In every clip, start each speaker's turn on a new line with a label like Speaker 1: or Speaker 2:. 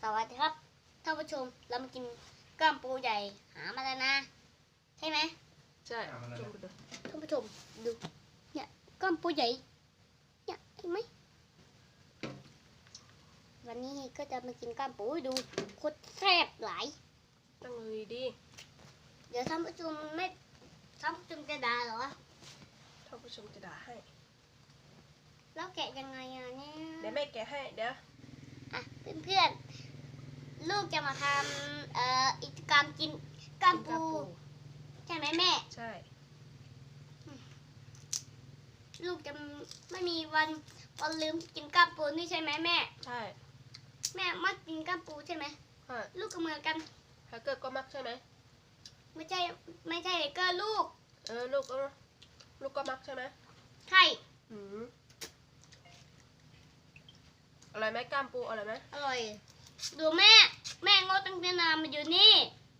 Speaker 1: สวัสดีครับท่านผู้ชมเรามากินกล้ามปูใหญ่หามาแล้วนะใช่ไหม
Speaker 2: ใช่
Speaker 1: ท่านผู้ชมดูเนี่ยกล้ามปูใหญ่เนี่ยเห็นไหมวันนี้ก็จะมากินกล้ามปูดูโคตรแซ่บหลาย
Speaker 2: ตั้งเลยดี
Speaker 1: เดี๋ยวท่านผู้ชมไม่ท่านผู้ชมจะด่าเหรอ
Speaker 2: ท่านผู้ชมจะด่าให้
Speaker 1: แล้วแกะยังไงอ่ะเนี่ย
Speaker 2: เดี๋ยวแม่แกะให้เดี๋ยว
Speaker 1: อ่ะเพื่อนๆลูกจะมาทำกิจกรรมกินกล้ามปูใช่ไหมแม่
Speaker 2: ใช่
Speaker 1: ลูกจะไม่มีวันลืมกินกล้ามปูนี่ใช่ไหมแม่
Speaker 2: ใช่
Speaker 1: แม่มักกินกล้ามปูใช่ไหมลูกก็เหมือนกัน
Speaker 2: แฮกเกอร์ก็มักใช่ไหม
Speaker 1: ไม่ใช่ก็ลูก
Speaker 2: ลูกก็มักใช่ไหม
Speaker 1: ใช่
Speaker 2: อะไรไหมกล้ามปูอะไรไหม
Speaker 1: อร่อยดูแม่งดตั้งแต่นานมาอยู่นี่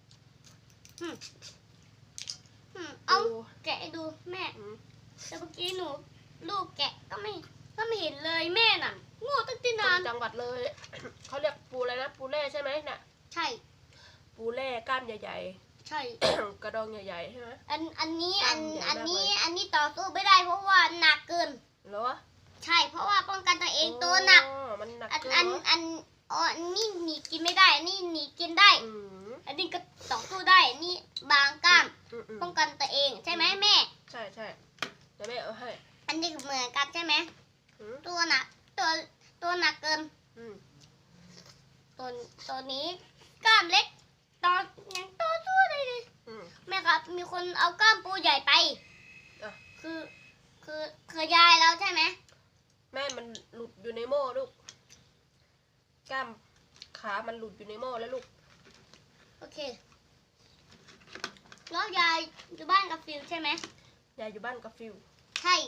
Speaker 1: เอาแกะดูแม่แต่เมื่อกี้ลูกแกะก็ไม่เห็นเลยแม่น่ะงดตั้งแต่นาน
Speaker 2: จังหวัดเลยเขาเรียกปูอะไรนะปูเล่ใช่ไหมน่ะ
Speaker 1: ใช่
Speaker 2: ปูเล่ก้านใหญ่
Speaker 1: ๆใช่
Speaker 2: กระดองใหญ่ๆใช่ไหม
Speaker 1: อันนี้ต่อสู้ไม่ได้เพราะว่าหนักเกิน
Speaker 2: เหรอ
Speaker 1: ใช่เพราะว่าป้องกันตัวเองตัวหนัก
Speaker 2: มันหนักเกิน
Speaker 1: อันนี้หนีกินไม่ได้อันนี้หนีกินได้อันนี้ก็ต่อสู้ได้อันนี้บางกล้ามป้องกันตัวเองใช่ไหมแม่
Speaker 2: ใช่เดี๋ยวแม่เอาให้
Speaker 1: อันนี้เหมือนกันใช่ไหมตัวหนักหนักเกินตัวนี้กล้ามเล็กยังต่อสู้ได้เลยแม่ครับมีคนเอากล้ามปูใหญ่ไปคือยายแล้วใช่ไหม
Speaker 2: แม่มันหลุดอยู่ในหม้อลูกกล้ามขามันหลุดอยู่ในหม้อแล้วลูก
Speaker 1: โอเคแล้วยายอยู่บ้านกับฟิวใช่ไหม
Speaker 2: ยายอยู่บ้านกับฟิว
Speaker 1: ใช่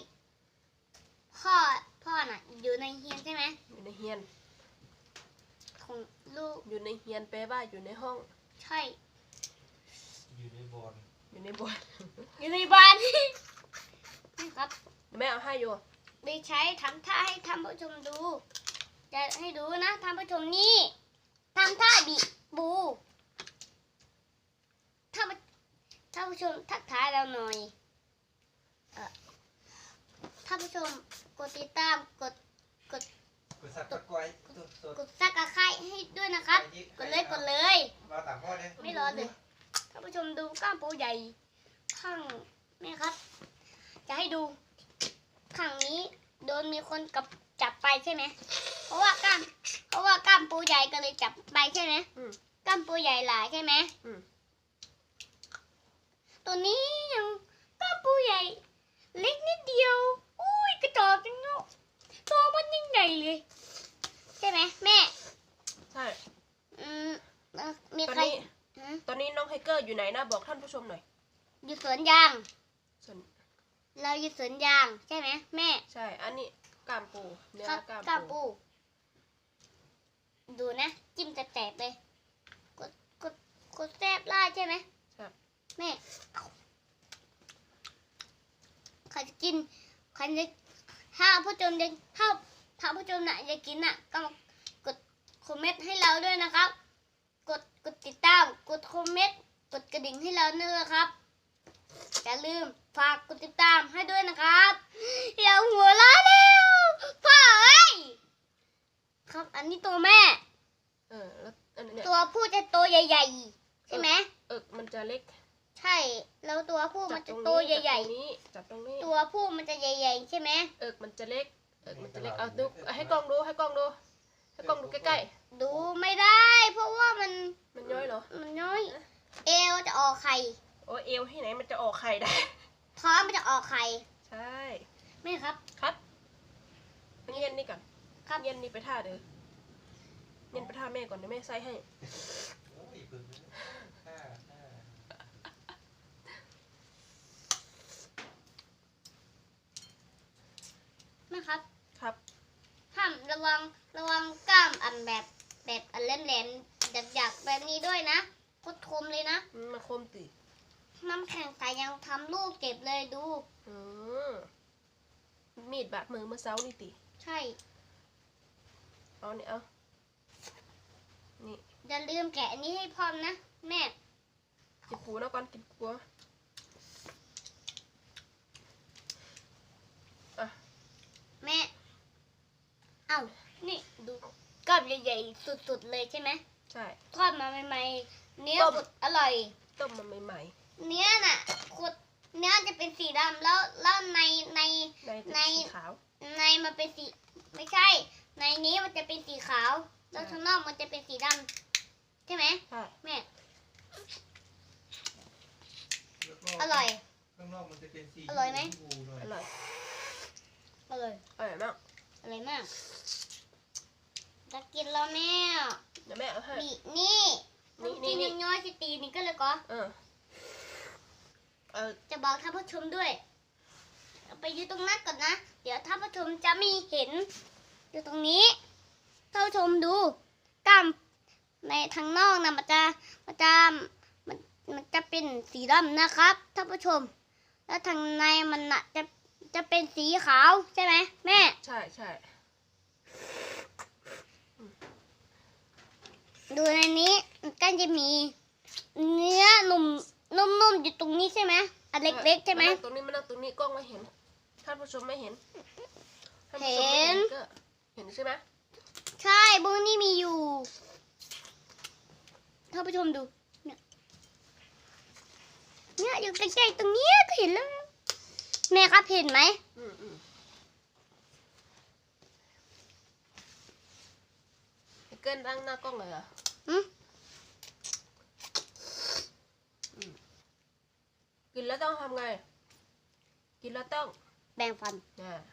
Speaker 1: พ่อน่ะอยู่ในเฮียนใช่ไหม
Speaker 2: อยู่ในเฮียน
Speaker 1: ของลูก
Speaker 2: อยู่ในเฮียนแปลว่าอยู่ในห้อง
Speaker 1: ใช่
Speaker 2: อยู่ในบอน
Speaker 1: อยู่ในบ้านนี่ครับ
Speaker 2: แม่เอาให้อยู่
Speaker 1: ได้ใช้ทำท่าให้ท่านผู้ชมดูจะให้ดูนะท่านผู้ชมนี่ทำท่าบิบูท่านผู้ชมทักทายเราหน่อยท่านผู้ชมกดติดตามกด
Speaker 3: ซับตะไคร้
Speaker 1: กดซักกระไข่ให้ด้วยนะครับกดเลยไม่รอเลยท่านผู้ชมดูกล้ามปูใหญ่ข้างนี่ครับจะให้ดูข้างนี้โดนมีคนจับไปใช่ไหมเพราะว่ากล้ามปูใหญ่ก็เลยจับไปใช่ไหมกล้ามปูใหญ่หลายใช่ไหมตัวนี้ยังกล้ามปูใหญ่เล็กนิดเดียวอุ้ยกระจอกจังเนาะตัวมันยิ่งใหญ่เลยใช่ไหมแม่
Speaker 2: ใช่
Speaker 1: มีใคร
Speaker 2: ตอนนี้น้องไฮเกอร์อยู่ไหนนะบอกท่านผู้ชมหน่อย
Speaker 1: อยู่สวนยางเราอยู่สวนยางใช่ไหมแม่
Speaker 2: ใช่อันนี้กล้ามปูเนื้อก
Speaker 1: ล้ามปูดูนะจิ้มแตกเลยกดแซ่บล่าใช่ไหม
Speaker 2: ครับ
Speaker 1: แม่ใครจะกินใครจะถ้าผู้ชมน่ะจะกินน่ะก็กดคอมเมนต์ให้เราด้วยนะครับกดติดตามกดคอมเมนต์กดกระดิ่งให้เราด้วยนะครับอย่าลืมฝากกดติดตามให้ด้วยนะครับอย่าหัวเราะแล้วพ่อเอ้ยครับอันนี้ตัวแม่
Speaker 2: แล้วอันนี้
Speaker 1: ตัวผู้จะโตใหญ่ๆใช่ไหม
Speaker 2: มันจะเล็ก
Speaker 1: ใช่แล้วตัวผู้มันจะโตใหญ่
Speaker 2: ๆจับตรงนี้
Speaker 1: ตัวผู้มันจะใหญ่ๆใช่ไหม
Speaker 2: มันจะเล็กเอาดูให้กล้องดูให้กล้องดูใกล้
Speaker 1: ๆดูไม่ได้เพราะว่ามัน
Speaker 2: ย้อยเหรอ
Speaker 1: มันย้อยเอวจะออกไข่
Speaker 2: โอ้เอวที่ไหนมันจะออกไข่ได้
Speaker 1: ท้องมันจะออกไข่
Speaker 2: ใช่
Speaker 1: ไม่ครับ
Speaker 2: เย็นนี่ก่อนครับเย็นนี่ไปท่าเด้อเย็นไปท่าแม่ก่อนเดี๋ยวแม่ใส่ให้
Speaker 1: นะครับ
Speaker 2: ครับ
Speaker 1: ห้ามระวังกล้ามอันแบบอันแหลมๆหยักๆแบบนี้ด้วยนะโคตรคมเลยนะ
Speaker 2: มาคมติ
Speaker 1: น้ำแข็งใสยังทำลูกเจ็บเลยดู
Speaker 2: มีดบาดมือเมื่อเช้านี่ติ
Speaker 1: ใช่
Speaker 2: เอานี่เอานี่
Speaker 1: อย่าลืมแกะอันนี้ให้พร้อมนะแม่
Speaker 2: กินปูนะก่อนกินปูอ่ะ
Speaker 1: แม่เอ้านี่ดูกรอบใหญ่ๆสุดๆเลยใช่ไหม
Speaker 2: ใช่
Speaker 1: ทอดมาใหม่ๆเนื้อ
Speaker 2: ต้ม
Speaker 1: สุดอร่อย
Speaker 2: ต้มมาใหม่
Speaker 1: เนื้อน่ะขุดเนื้อจะเป็นสีดำแล้วใน
Speaker 2: ๆใน
Speaker 1: ใน
Speaker 2: สีขาว
Speaker 1: ในมันเป็นสีไม่ใช่ ในนี้มันจะเป็นสีขาวแล้ว
Speaker 2: ใช่
Speaker 1: ข้างนอกมันจะเป็นสีดำใช่ไหม
Speaker 2: ใช่
Speaker 1: แม่
Speaker 3: แล้วก็
Speaker 1: อร่อย
Speaker 3: ข้างนอกมันจะเป็นสี
Speaker 1: อร่อยไหม
Speaker 3: ชพูหน่อย
Speaker 2: อร่อย
Speaker 1: อร่อย
Speaker 2: อร่อยมาก
Speaker 1: อร่อยมากจะกินแล้วแม่
Speaker 2: เดี๋ยวแม่เอาให้
Speaker 1: นี่
Speaker 2: นี่
Speaker 1: กินน้อยๆสิตีนี่ก็เลยก็
Speaker 2: เออ
Speaker 1: จะบอกท่านผู้ชมด้วยเอาไปอยู่ตรงนั้นก่อนนะ เดี๋ยวท่านผู้ชมจะไม่เห็น อยู่ตรงนี้ท่านผู้ชมดูกล้ามในทางนอกนะมันจะเป็นสีดำนะครับท่านผู้ชม แล้วทางในมันน่ะจะเป็นสีขาวใช่ไหมแม่
Speaker 2: ใช่ใช่
Speaker 1: ดูในนี้มันก็จะมีเนื้อนุ่มๆอยู่ตรงนี้ใช่ไหมอันเล็กๆใช่ไหม
Speaker 2: านั่งตรงนี้มานั่งตรงนี้กล้องไม่เห็นท่านผู้ชมไม่เห็นท่านผู้ชมไม่
Speaker 1: เห็น
Speaker 2: ก็เห็นใช่ไหม
Speaker 1: ใช่บุ้งนี่มีอยู่ท่านผู้ชมดูเนี่ยอยู่ใกล้ๆตรงเนี้ยก็เห็นแล้วแม่ครับเห็นไหม
Speaker 2: อืมให้เกินนั่งหน้ากล้องเลยเหรอ
Speaker 1: อืม
Speaker 2: กินแล้วต้องทำไง กินแล้วต้อง
Speaker 1: แบ่งฟัน
Speaker 2: อ่า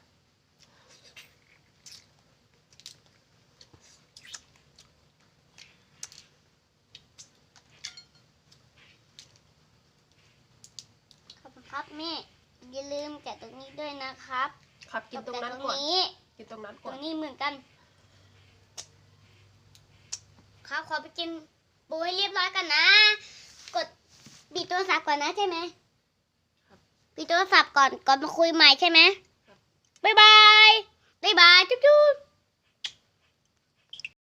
Speaker 1: ขอบคุณครับแม่อย่าลืมแกะตรงนี้ด้วยนะครับ
Speaker 2: ครับกินตรงนั้น
Speaker 1: แกะ
Speaker 2: ก่อน
Speaker 1: นี้
Speaker 2: กินตรงนั้น
Speaker 1: ต
Speaker 2: ก่
Speaker 1: ร
Speaker 2: อน
Speaker 1: งนี้เหมือนกันครับขอไปกินปูให้เรียบร้อยกันนะ กดปิดโทรศัพท์ก่อนนะใช่ไหมปิดโทรศัพท์ก่อนมาคุยใหม่ใช่ไหมบ๊ายบาย บ๊ายบาย จุ๊บ